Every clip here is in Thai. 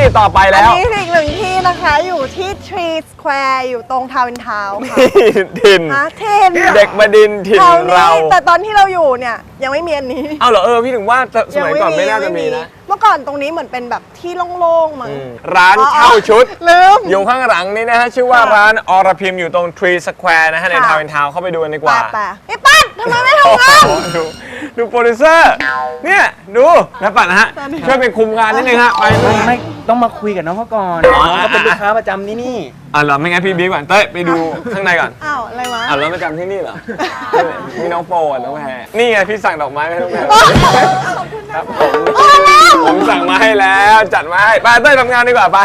ต่อไปแล้วอันนี้อีกหนึ่งที่นะคะอยู่ที่ Tree Square อยู่ตรงทาวน์อินทาวน์ค่ะถิ่น เด็กบดินทร์ถิ่นเราแต่ตอนที่เราอยู่เนี่ยยังไม่มีอันนี้เอาเหรอพี่ถึงว่าสมัยก่อนไม่น่าจะมีนะเมื่อก่อนตรงนี้เหมือนเป็นแบบที่โล่งๆมั้งร้านเช่าชุดลืมอยู่ข้างหลังนี้นะฮะชื่อว่าร้านอรพิมอยู่ตรง Tree Square นะฮะในทาวน์อินทาวน์เข้าไปดูกันดีกว่าแต่ไอ้ปั้นทำไมไม่ทำงานดูโปรดิวเซอร์เนี่ยดูนะปัดนะฮะช่วยเป็นคุมงานนิดนึงฮะไปเลยไม่ต้องมาคุยกับน้องเขาก่อนเขาเป็นลูกค้าประจำที่นี่เหรอไม่งั้นพี่บิ๊กก่อนเต้ยไปดูข้างในก่อนอ้าวอะไรวะแล้วประจำที่นี่เหรอมีน้องโปอ่ะน้องแพรนี่ไงพี่สั่งดอกไม้ให้น้องแพรครับผมสั่งมาให้แล้วจัดมาให้ไปเต้ยทำงานดีกว่าไป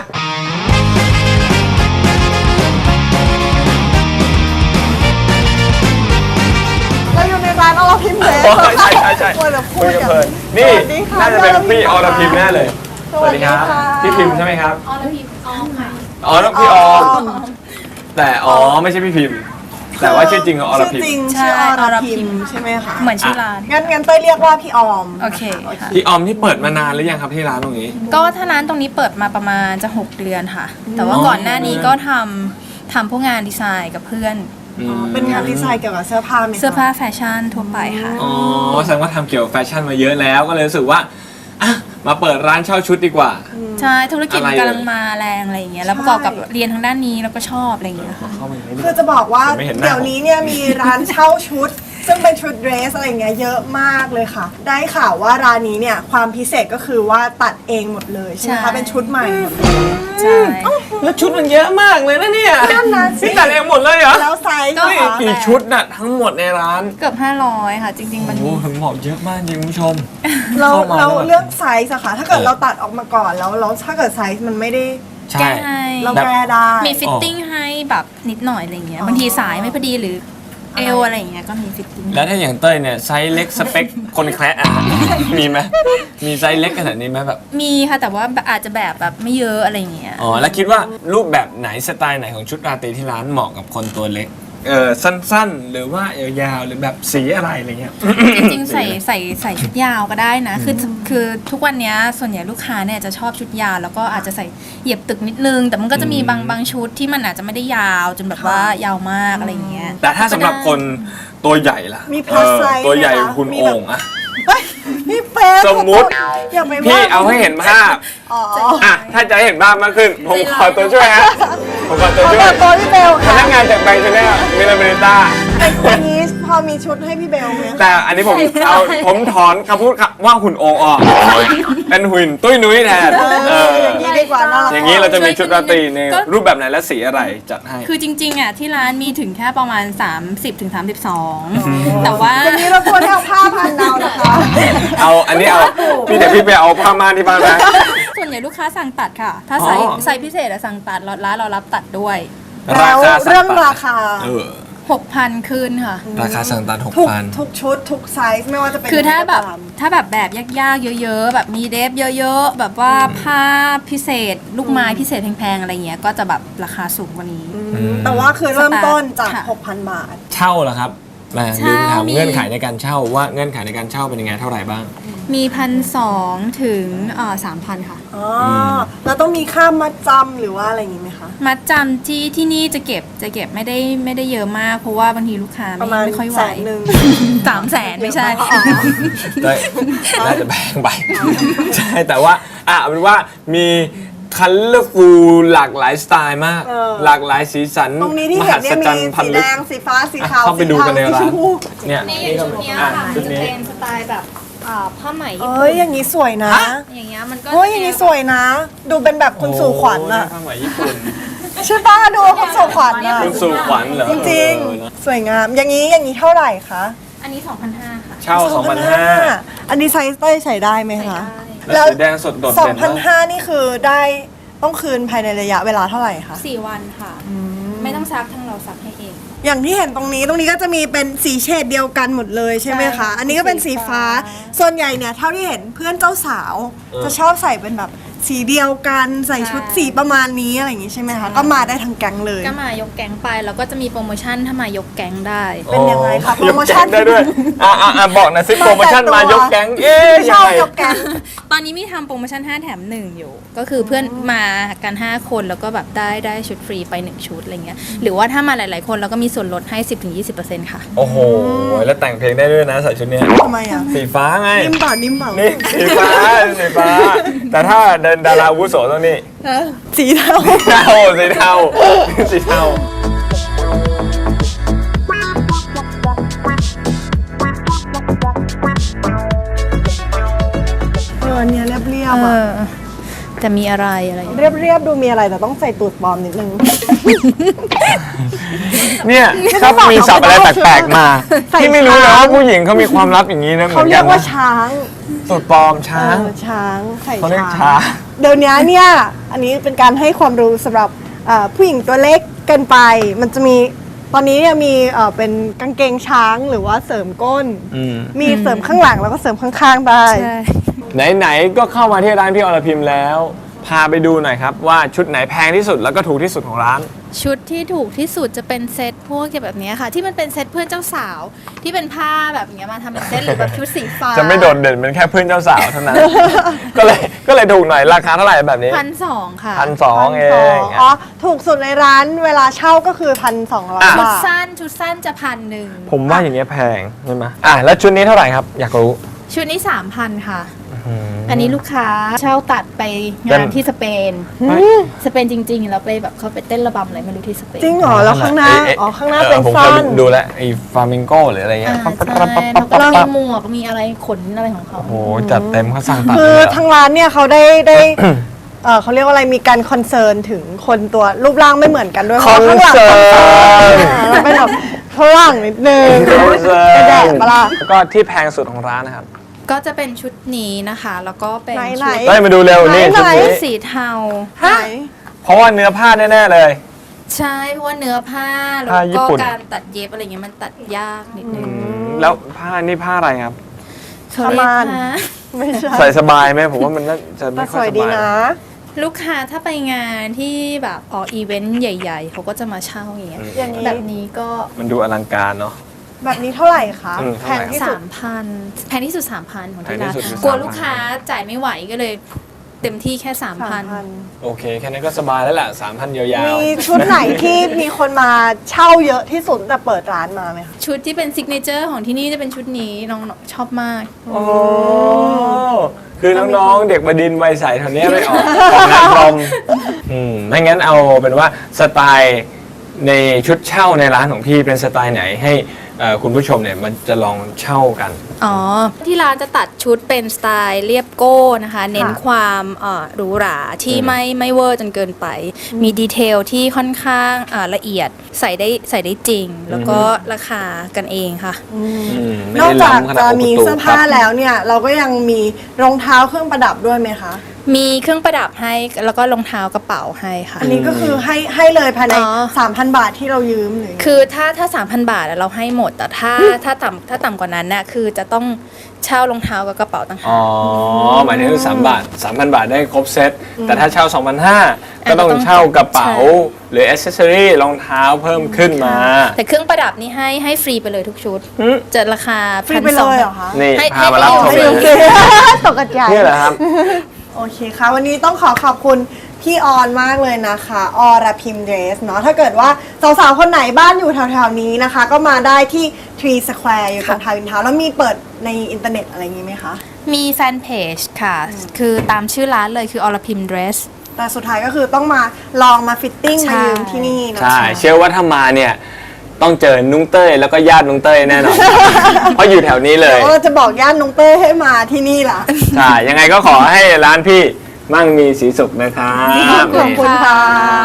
เราอยู่ในร้านอรพิมพ์เลยใช่ควรจะพูคุดยกันกันเพลินนี่สวัสดีค่ะน่าจะเป็นพี่อรพิมแน่เลยสวัสดีค่ะพี่พิมพ์ใช่ไหมครับอรพิมออมค่ะน้องพี่ออมแต่ไม่ใช่พี่พิมพ์ แต่ว่าชื่อจริงของอรพิมชื่อจริงใช่ชื่ออรพิมอรพิมใช่ไหมคะเหมือนชื่อร้านงั้นเต้ยเรียกว่าพี่ออมโอเคค่ะพี่ออมที่เปิดมานานหรือยังครับที่ร้านตรงนี้ก็ถ้าร้านตรงนี้เปิดมาประมาณจะ 6 เดือนค่ะ แต่ว่าก่อนหน้านี้ก็ทำพวกงานดีไซน์กับเพื่อนเป็นงานดีไซน์เกี่ยวกับเสื้อผ้าไหมคะเสื้อผ้าแฟชั่นทั่วไปค่ะแสดงว่าทำเกี่ยวกับแฟชั่นมาเยอะแล้วก็เลยรู้สึกว่าอ่ะมาเปิดร้านเช่าชุดดีกว่าใช่ ธุรกิจอะไรกำลังมาแรงอะไรอย่างเงี้ย แล้วประกอบกับเรียนทางด้านนี้แล้วก็ชอบอะไรอย่างเงี้ยค่ะเข้ามาไม่ได้คือจะบอกว่าไม่เห็นหน้าเดี๋ยวนี้เนี่ยมีร้านเช่าชุด ซึ่งเป็นชุดเดรสอะไรเงี้ยเยอะมากเลยค่ะ ได้ข่าวว่าร้านนี้เนี่ยความพิเศษก็คือว่าตัดเองหมดเลยใช่ไหมใช่คะเป็นชุดใหม่หมดเลยใช่แล้วชุดมันเยอะมากเลยนะเนี่ยนั่นนะสิพี่ตัดเองหมดเลยเหรอแล้วไซส์ก็นี่นะคะกี่ชุดน่ะทั้งหมดในร้านเกือบ500 ค่ะ จริง ๆ มันโอ้มีโหผมบอกเยอะมากจริงคุณผู้ชมเราเข้ามาเราแล้วเลือกไซส์อะค่ะ ถ้าเกิดเราตัดออกมาก่อนแล้วถ้าเกิดไซส์มันไม่ได้ใช่แก้ให้เราแก้ได้มีฟิตติ้งให้แบบนิดหน่อยอะไรเงี้ย บางทีสายไม่พอดีหรือเอวอะไรอย่างเงี้ยก็มีฟิตติ้งแล้วถ้าอย่างเต้ยเนี่ยไซส์เล็กสเปคคนแคร์อ่ะมีไหมมีไซส์เล็กขนาดนี้ไหมแบบมีค่ะแต่ว่าอาจจะแบบไม่เยอะอะไรอย่างเงี้ยแล้วคิดว่ารูปแบบไหนสไตล์ไหนของชุดราตรีที่ร้านเหมาะกับคนตัวเล็กสั้นๆ หรือว่ายาวๆหรือแบบสีอะไรอะไรเงี้ยจริงๆใส่ชุดยาวก็ได้นะคือทุกวันเนี้ยส่วนใหญ่ลูกค้าเนี่ยจะชอบชุดยาวแล้วก็อาจจะใส่เหยียบตึกนิดนึง แต่มันก็จะมีบางชุดที่มันอาจจะไม่ได้ยาวจนแบบว่ายาวมากอะไรอย่างเงี้ยแต่ถ้าสำหรับคนตัวใหญ่ล่ะมี plus size ตัวใหญ่ไหมคะคุณมีโอ่แบบงอะเฮ้ยพี่เป๊ะสมมุติอย่าไปพี่ว่าเอาให้เห็นภาพอ๋อถ้าจะให้เห็นภาพมากขึ้นผมขอตัวช่วยฮะผมขอตัวขอช่วเปิยดตัวพี่เบลพค่ะนักงานจากแบงค์ชาแนลมิลาเมริต้าวันนี้พอมีชุดให้พี่เบลไหมคะแต่อันนี้ผมถอนคำพูดว่าหุ่นโองออกเป็นหุ่นตุ้ยนุ้ยแทนอย่างนี้ดีกว่าน่ารักอย่างนี้เราจะมีชุดราตรีในรูปแบบไหนและสีอะไรจัดให้คือจริงๆอ่ะที่ร้านมีถึงแค่ประมาณ 30-32 แต่ว่าอย่างนี้เราควรให้เอาผ้าพันเรานะคะอันนี้เอาพี่เดี๋ยวพี่ไปเอาผ้าม่านที่บ้านนะส่วนใหญ่ลูกค้าสั่งตัดค่ะ ถ้าไซส์พิเศษอะสั่งตัดร้านเรารับตัดด้วยแล้วเรื่องราคา 6,000คืนค่ะราคาสั่งตัดทุกชุดทุกไซส์ไม่ว่าจะเป็นคือถ้าแบบยังไงก็ตมถ้าแบบยากๆเยอะๆ แบบมีเดฟเยอะๆ แบบว่าผ้าพิเศษ ลูกไม้พิเศษแพงๆ อะไรเงี้ยก็จะแบบราคาสูงกว่านี้แต่ว่าคือเริ่มต้นจากค่ะ 6,000 บาทเช่าเหรอครับแหมเช่าลืมถามมีเงื่อนไขในการเช่าว่าเงื่อนไขในการเช่าเป็นยังไงเท่าไหร่บ้างมี 1,200 ถึง3,000 ค่ะอ๋อแล้วต้องมีค่ามัดจำหรือว่าอะไรอย่างงี้ไหมคะมัดจำที่นี่จะเก็บไม่ได้เยอะมาก เพราะว่าบางทีลูกค้าประมาณไม่ค่อยไหว 100,000 300,000 ไม่ใช่ได้น่าจะแพงไปใช่แต่ว่าเอาเป็นว่ามีคัลเลอร์ฟูลหลากหลายสไตล์มาก หลากหลายสีสันตรงนี้ที่มเห็หันเนี่ยศมีจรรย์พันสีลึแดกงสีฟ้าสีขาวเข้าไปดูกันในสีร้านชมพูเนี่ยชุดเนี้ยค่ะชุดนี้เป็นสไตล์แบบผ้าไหมญี่เอ้ปุ่ยนอย่างนี้สวยนะอย่างเงี้ยมันก็เฮ้ยอย่างนี้สวยนะ ดูเป็นแบบคุณสู่ขวัญอะผ้าไหมญี่ปุ่นใช่ป้าดูคุณสู่ขวัญอะคุณสู่ขวัญเหรอจริงเออเนอะๆสวยงามอย่างนี้เท่าไหร่คะอันนี้ 2,500 ค่ะเช่า 2,500 อันนี้ไซส์เต้ยใส่ได้ไหมคะแล้วสีแดงสดโดดเด่นมาก 2,500นี่คือได้ต้องคืนภายในระยะเวลาเท่าไหร่คะ 4 วันค่ะ ไม่ต้องซักทั้งเราซักให้เองอย่างที่เห็นตรงนี้ก็จะมีเป็นสีเฉดเดียวกันหมดเลยใช่ไหมใช่คะค่ะอันนี้ก็เป็นสีฟ้าสีฟ้าส่วนใหญ่เนี่ยเท่าที่เห็นเพื่อนเจ้าสาวจะชอบใส่เป็นแบบสีเดียวกันใส่ชุดสีประมาณนี้อะไรอย่างงี้ใช่ไหมคะก็มาได้ทั้งแก๊งเลยก็มายกแก๊งไปแล้วก็จะมีโปรโมชั่นถ้ามายกแก๊งได้เป็นยังไงคะยกโปรโมชั่นแก๊งได้ด้วยบอกหนะซิโปรโมชั่นมายกแก๊งชอบยังไงยกแก๊งตอนนี้มีทำโปรโมชั่น5แถม1อยู่ ก็คือเพื่อนมากัน5คนแล้วก็แบบได้ชุดฟรีไป1ชุดอะไรเงี้ยหรือว่าถ้ามาหลายๆคนเราก็มีส่วนลดให้ 10-20% ค่ะโอ้โหแล้วแต่งเพลงได้ด้วยนะใส่ชุดเนี้ยทำไมอ่ะสีฟ้าไงนิ่มเปล่านิ่มเปล่านี่สีฟ้าสีฟ้า แต่ถ้าเดินดาราอาวุโสต้องนี่สีเทาสีเทาสีเทาสีเทาอันเนี้ยเรียบๆอ่ะจะมีอะไรเรียบๆดูมีอะไรแต่ต้องใส่ตูดปลอมนิดนึงเนี่ยชอบมีศัพท์อะไรแปลกๆมาใส่ที่ไม่รู้นะช้างว่าผู้หญิงเขามีความลับอย่างนี้นะเหมืเขาอนเรีกัยนกว่านะช้างสูตรปลอมช้างช้างใส่เขาเรียกช้าช้างงเดี๋ยวนี้เนี่ยอันนี้เป็นการให้ความรู้สำหรับผู้หญิงตัวเล็กเกินไป มันจะมีตอนนี้เนี่ยมีเป็นกางเกงช้างหรือว่าเสริมก้น มีเสริมข้างหลังแล้วก็เสริมข้างๆได้ใช่ไหนๆก็เข้ามาที่ร้านพี่อรพิมแล้ว พาไปดูหน่อยครับว่าชุดไหนแพงที่สุดแล้วก็ถูกที่สุดของร้านชุดที่ถูกที่สุดจะเป็นเซตพวกแบบนี้ค่ะ ที่มันเป็นเซตเพื่อนเจ้าสาวที่เป็นผ้าแบบอย่างเงี้ยมาทำเป็นเซตหรือแบบชุดสีฟ้าจะไม่โดดเด่นเป็นแค่เพื่อนเจ้าสาวเท่านั้น ก็เลยถูกหน่อยราคาเท่าไหร่แบบนี้ 1,200 ค่ะ 1,200เองอ๋อถูกสุดในร้านเวลาเช่าก็คือ 1,200 อ่ะชุดบาทสั้นจะ1,100 ผมว่าอย่างเงี้ยแพงใช่ไหมแล้วชุดนี้เท่าไหร่ครับอยากรู้ชุดนี้ 3,000 ค่ะ อันนี้ลูกค้าเช่าตัดไปงานที่สเปน สเปนจริงๆ แล้วไปแบบเขาไปเต้นระบำอะไรไม่รู้ที่สเปนจริงเหรอแล้วข้างหน้าอ๋อข้างหน้าเป็นผมเคสั้ยนดูแลวไอ้ฟลามิงโกหรืออะไรเงี้ยใช่แล้วก็มีหมวกมีอะไรขนอะไรของเขาโอ้โหจัดเต็มเขาสั่งตัดคือเลยเหรอทางร้านเนี่ยเขาได้ เขาเรียกว่าอะไรมีการคอนเซิร์นถึงคนตัวรูปร่างไม่เหมือนกันด้วยคอนพราะว่าข้างหลังเซิร์นเราเป็นแบบฝรั่งนิดนึงคอนเซิร์กระแดนดปะล่ะแล้วก็ที่แพงสุดของร้านนะครับก็จะเป็นชุดนี้นะคะ แล้วก็เป็นไหนชุดๆได้มาดูเร็วนี่ไหนชุดชุนี้ดสีเทาฮะเพราะว่าเนื้อผ้าแน่ๆเลยใช่เพราะว่าเนื้อผ้าแล้วผ้าญี่ก็ปุ่นการตัดเย็บอะไรเงี้ยมันตัดยากนิดนึงแล้วผ้านี่ผ้าอะไรครับเขาเรียกประมาณผ้าไม่ใช่ใส่สบายไหมผมว่ามันน่าจะแต่ไม่สค่อวย ยสดีบายนะลูกค้าถ้าไปงานที่แบบออกอีเวนต์ใหญ่ ๆ เขาก็จะมาเช่าอย่างเงี้ยอย่างนี้แบบนี้ก็มันดูอลังการเนาะแบบนี้เท่าไหร่คะอืมแพเท่าไหร่งที่สุด 3,000แพงที่สุด 3,000 ของที่ร้านแพงที่สุดคือกลัว 3,000 ลูกค้าจ่ายไม่ไหวก็เลยเต็มที่แค่ 3,000 โอเค แค่นั้นก็สบายแล้วแหละ3,000ยาวมีชุดไหนที่มีคนมาเช่าเยอะที่สุดแต่เปิดร้านมาไหมคะชุดที่เป็นซิกเนเจอร์ของที่นี่จะเป็นชุดนี้น้องชอบมากๆโอ้คือน้องๆ เด็กบดินทร์วัยใสแถวเนี้ยไม่ออกงานพรมไม่งั้นเอาเป็นว่าสไตล์ในชุดเช่าในร้านของพี่เป็นสไตล์ไหนให้คุณผู้ชมเนี่ยมันจะลองเช่ากันอ๋อ ที่ร้านจะตัดชุดเป็นสไตล์เรียบโก้นะคะ เน้นความหรูหราที่ไม่เวอร์จนเกินไป มีดีเทลที่ค่อนข้างละเอียดใส่ได้จริง แล้วก็ราคากันเองค่ะไม่นอกได้จากล้ำขนาดจะโอมีโกุตุเสื้อผ้าครับแล้วเนี่ย เราก็ยังมีรองเท้าเครื่องประดับด้วยไหมคะมีเครื่องประดับให้แล้วก็รองเท้ากระเป๋าให้ค่ะอันนี้ก็คือให้เลยภายในอ๋อ 3,000 บาทที่เรายืมหรือคือถ้า 3,000 บาทอะเราให้หมด แต่ถ้าต่ำกว่านั้นน่ะคือจะต้องเช่ารองเท้ากับกระเป๋าต่างหากอ๋อ หมายถึง3 บาท 3,000 บาทได้ครบเซต แต่ถ้าเช่า 2,500 ก็ต้องเช่ากระเป๋า หรืออ c เซสซอรี่รองเท้าเพิ่มขึ้นมาแต่เครื่องประดับนี่ให้ฟรีไปเลยทุกชุด จะราคาฟรีไปเลยเหรอคะนี่ให้พามารับชมให้เลโอย เคตกใจนี่แหละครับโอเคค่ะ วันนี้ต้องขอบคุณพี่ออนมากเลยนะคะอรพิมเดรสเนาะถ้าเกิดว่าสาวๆคนไหนบ้านอยู่แถวๆนี้นะคะ ก็มาได้ที่ Tree Square อยู่ตรงทาวน์อินทาวน์แล้วมีเปิดในอินเทอร์เน็ตอะไรอย่างงี้ไหมคะมีแฟนเพจค่ะ คือตามชื่อร้านเลยคืออรพิมเดรสแต่สุดท้ายก็คือต้องมาลองมาฟิตติ้งใช่มายืมที่นี่นะคะใช่ เชื่อว่าถ้ามาเนี่ย ต้องเจอนุ้งเต้ยแล้วก็ญาตินุ้งเต้ยแน่นอน เพราะอยู่แถวนี้เลยเราจะบอกย่านน้องเต้ยให้มาที่นี่ล่ะใช่ ยังไงก็ขอให้ร้านพี่มั่งมีสีสุขนะครับขอบคุณค่ะ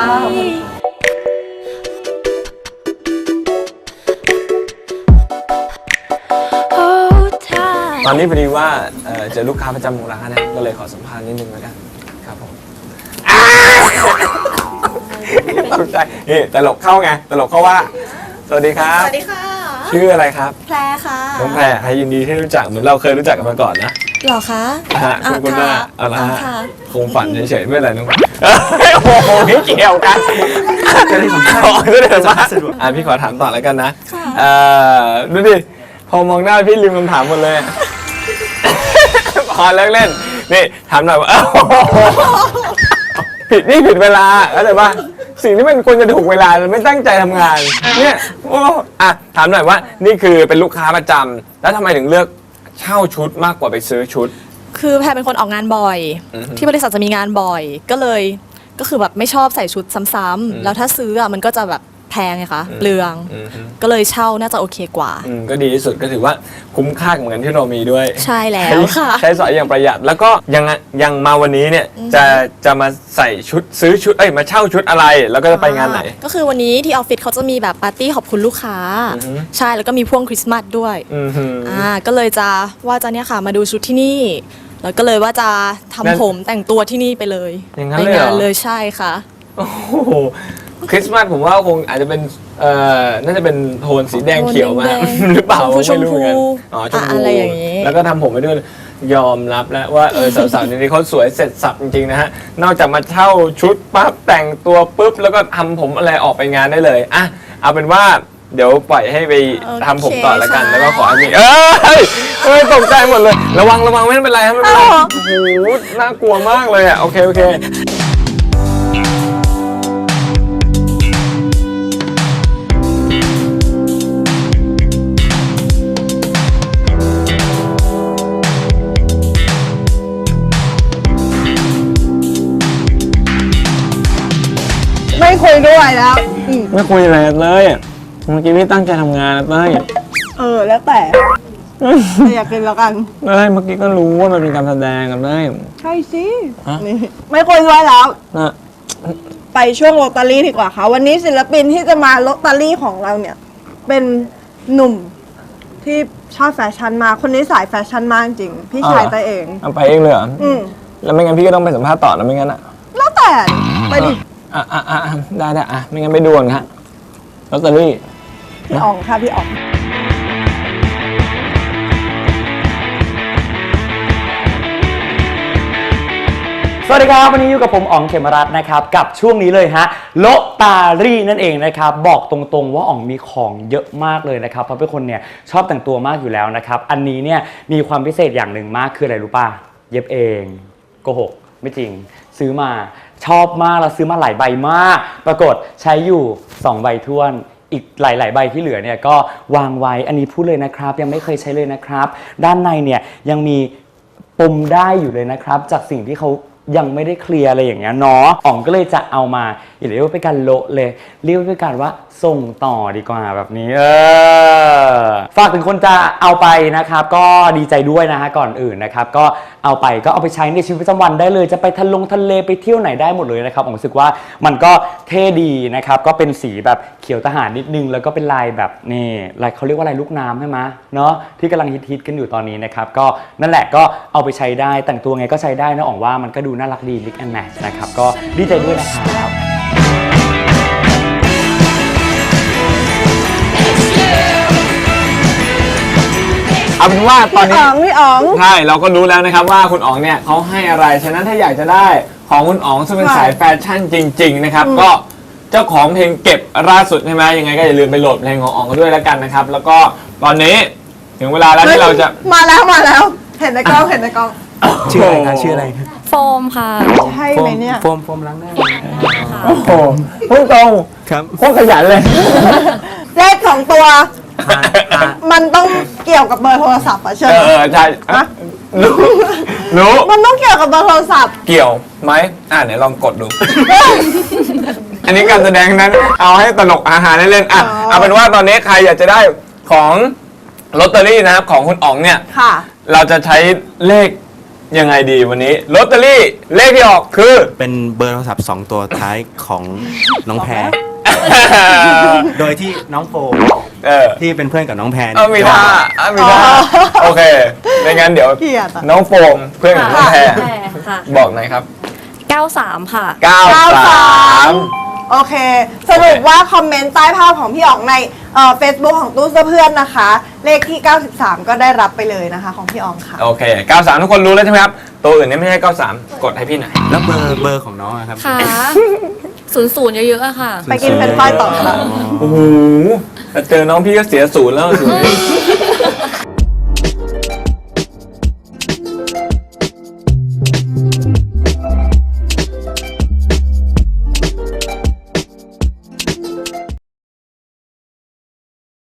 ตอนนี้พอดีว่าเจอลูกค้าประจำของร้านนะก็เลยขอสัมภาษณ์นิดนึงแล้วกันครับผมตกใจนี่ตลกเข้าไงตลกเข้าว่า สวัสดีครับสวัสดีค่ะชื่ออะไรครับแพรค่ะน้องแพรให้ยินดีที่รู้จักเหมือนเราเคยรู้จักกันมาก่อนนะเหรอคะฮะคุณหน้าเอาละฮะค่ะคงฝันเฉยๆไม่เป็นไรน้องโอ้โหไม่เกี่ยวกันจะได้สัมภาษณ์จะได้สัมภาษณ์พี่ขอถามต่อแล้วกันนะดูดิพอมองหน้าพี่ลืมคำถามหมดเลยพอเลิกเล่นนี่ถามหน่อยว่าผิดเวลาเข้าใจป่ะสิ่งที่มันควรจะถูกเวลาเราไม่ตั้งใจทำงานเนี่ยถามหน่อยว่านี่คือเป็นลูกค้าประจำแล้วทำไมถึงเลือกเช่าชุดมากกว่าไปซื้อชุดคือแพรเป็นคนออกงานบ่อย ที่บริษัทจะมีงานบ่อย ก็คือแบบไม่ชอบใส่ชุดซ้ำๆแล้วถ้าซื้ออ่ะมันก็จะแบบแพงไงคะเปลือง ก็เลยเช่าน่าจะโอเคกว่าก็ดีที่สุดก็ถือว่าคุ้มค่ากับเงินที่เรามีด้วยใช่แล้วค่ะใช้สอยอย่างประหยัดแล้วก็ยังมาวันนี้เนี่ยจะมาใส่ชุดซื้อชุดมาเช่าชุดอะไรแล้วก็จะไปงานไหนก็คือวันนี้ที่ออฟฟิศเขาจะมีแบบปาร์ตี้ขอบคุณลูกค้า ใช่แล้วก็มีพ่วงคริสต์มาสด้วยก็เลยจะว่าจะเนี่ยค่ะมาดูชุดที่นี่แล้วก็เลยว่าจะทำผมแต่งตัวที่นี่ไปเลยอย่างนั้นไปเลยเหรองานเลยใช่ค่ะโอ้โหคริสต์มาสผมว่าคงอาจจะเป็นน่าจะเป็นโทนสีแดงเขียวมาโทนแดงหรือเปล่าชมพูไม่รู้เหมือนกันอ๋อชมพูอะไรอย่างนี้แล้วก็ทำผมไปด้วยยอมรับแล้วว่าสาวๆนี้เขาสวยเสร็จสับจริงๆนะฮะนอกจากมาเช่าชุดปั๊บแต่งตัวปุ๊บแล้วก็ทำผมอะไรออกไปงานได้เลยอ่ะเอาเป็นว่าเดี๋ยวปล่อยให้ไปทำผมต่อแล้วกัน แล้วก็ขอให้มีตกใจหมดเลยระวังไม่เป็นไรครับไม่เป็นไรโอ้โหน่ากลัวมากเลยอ่ะโอเคไม่คุยด้วยแล้วไม่คุยอะไรกันเลยเมื่อกี้พี่ตั้งใจทำงานนะเต้ยแล้วแต่อยากกินแล้วกันเต้ยเมื่อกี้ก็รู้ว่ามันเป็นการแสดงกันเต้ยใช่สิฮะนี่ไม่คุยด้วยแล้วนะไปช่วงลอตเตอรี่ดีกว่าค่ะ วันนี้ศิลปินที่จะมาลอตเตอรี่ของเราเนี่ย เป็นหนุ่มที่ชอบแฟชั่นมากคนนี้สายแฟชั่นมากจริง พี่ชายตัวเองเอาไปเองเลยเหรอแล้วไม่งั้นพี่ก็ต้องไปสัมภาษณ์ต่อแล้วไม่งั้นอ่ะแล้วแต่ไปดิได้ไม่งั้นไปด่วนค่ะลอตเตอรี่พี่อ๋องค่ะพี่อ๋องสวัสดีครับวันนี้อยู่กับผมอ๋องเขมรัตน์นะครับกับช่วงนี้เลยฮะโลตารี่นั่นเองนะครับบอกตรงๆว่าอ๋องมีของเยอะมากเลยนะครับเพราะเป็นคนเนี่ยชอบแต่งตัวมากอยู่แล้วนะครับอันนี้เนี่ยมีความพิเศษอย่างหนึ่งมากคืออะไรรู้ป่ะเย็บเองโกหกไม่จริงซื้อมาชอบมากแล้วซื้อมาหลายใบมากปรากฏใช้อยู่2ใบท้วนอีกหลายๆใบที่เหลือเนี่ยก็วางไว้อันนี้พูดเลยนะครับยังไม่เคยใช้เลยนะครับด้านในเนี่ยยังมีปมได้อยู่เลยนะครับจากสิ่งที่เขายังไม่ได้เคลียร์อะไรอย่างเงี้ยเนาะอ๋องก็เลยจะเอามาอย่าเรียกว่าเป็นการโละเลยเรียกว่าเป็นการว่าส่งต่อดีกว่าแบบนี้ฝากถึงคนจะเอาไปนะครับก็ดีใจด้วยนะฮะก่อนอื่นนะครับก็เอาไปใช้ในชีวิตประจำวันได้เลยจะไปทะเลไปเที่ยวไหนได้หมดเลยนะครับผมรู้สึกว่ามันก็เท่ดีนะครับก็เป็นสีแบบเขียวทหารนิดนึงแล้วก็เป็นลายแบบนี่ลายเขาเรียกว่าลายลูกน้ำใช่ไหมเนาะที่กำลังฮิตกันอยู่ตอนนี้นะครับก็นั่นแหละก็เอาไปใช้ได้แต่งตัวไงก็ใช้ได้นะอ๋องว่ามันก็ดูน่ารักดี mix and match นะครับก็ดีใจด้วยนะครับเอาเป็นว่าตอนนี้พี่อ๋องใช่เราก็รู้แล้วนะครับว่าคุณอ๋องเนี่ยเขาให้อะไรฉะนั้นถ้าอยากจะได้ของคุณอ๋องซึ่งเป็นสายแฟชั่นจริงๆนะครับก็เจ้าของเพลงเก็บล่าสุดใช่ไหมยังไงก็อย่าลืมไปโหลดเพลงของอ๋องกันด้วยแล้วกันนะครับแล้วก็ตอนนี้ถึงเวลาแล้วที่เราจะมาแล้วเห็นในกล้องชื่ออะไรคะชื่ออะไรโฟมค่ะใช่ไหมเนี่ยโฟมล้างหน้าโอ้โหพูดตรงครับโคตรขยันเลยเลขของตัว มันต้องเกี่ยวกับเบอร์โทรศัพท์อะเชิญใช่รู้มันต้องเกี่ยวกับเบอร์โทรศัพท์เกี่ยวไหมไหนลองกดดู อันนี้การแสดงนั้นเอาให้ตลกอาหารเล่นๆเอาเป็นว่าตอนนี้ใครอยากจะได้ของลอตเตอรี่นะครับของคุณอ๋องเนี่ยค่ะเราจะใช้เลขยังไงดีวันนี้ลอตเตอรี่เลขที่ออกคือเป็นเบอร์โทรศัพท์2ตัวท้ายของน้องแพร โดยที่น้องโฟมที่เป็นเพื่อนกับน้องแพรมีท่าโอเคไม่งั้นเดี๋ยวเกลียดอะน้องโฟมเพื่อนของน้องแพรค่ะบอกหน่อยครับ 93 ค่ะ 93 โอเค สรุปว่าคอมเมนต์ใต้ภาพของพี่อ๋องในFacebook ของตู้เสื้อเพื่อนนะคะ เลขที่ 93 ก็ได้รับไปเลยนะคะของพี่อ๋องค่ะโอเค 93 ทุกคนรู้แล้วใช่ไหมครับ ตัวอื่นเนี่ยไม่ใช่ 93 กดให้พี่หน่อยแล้วเบอร์ของน้องอะครับค่ะ00เยอะๆอะค่ะไปกินเป็นไฟรายต่อค่ะโอ้โหแต่เจอน้องพี่ก็เสียศูนย์แล้วศูนย์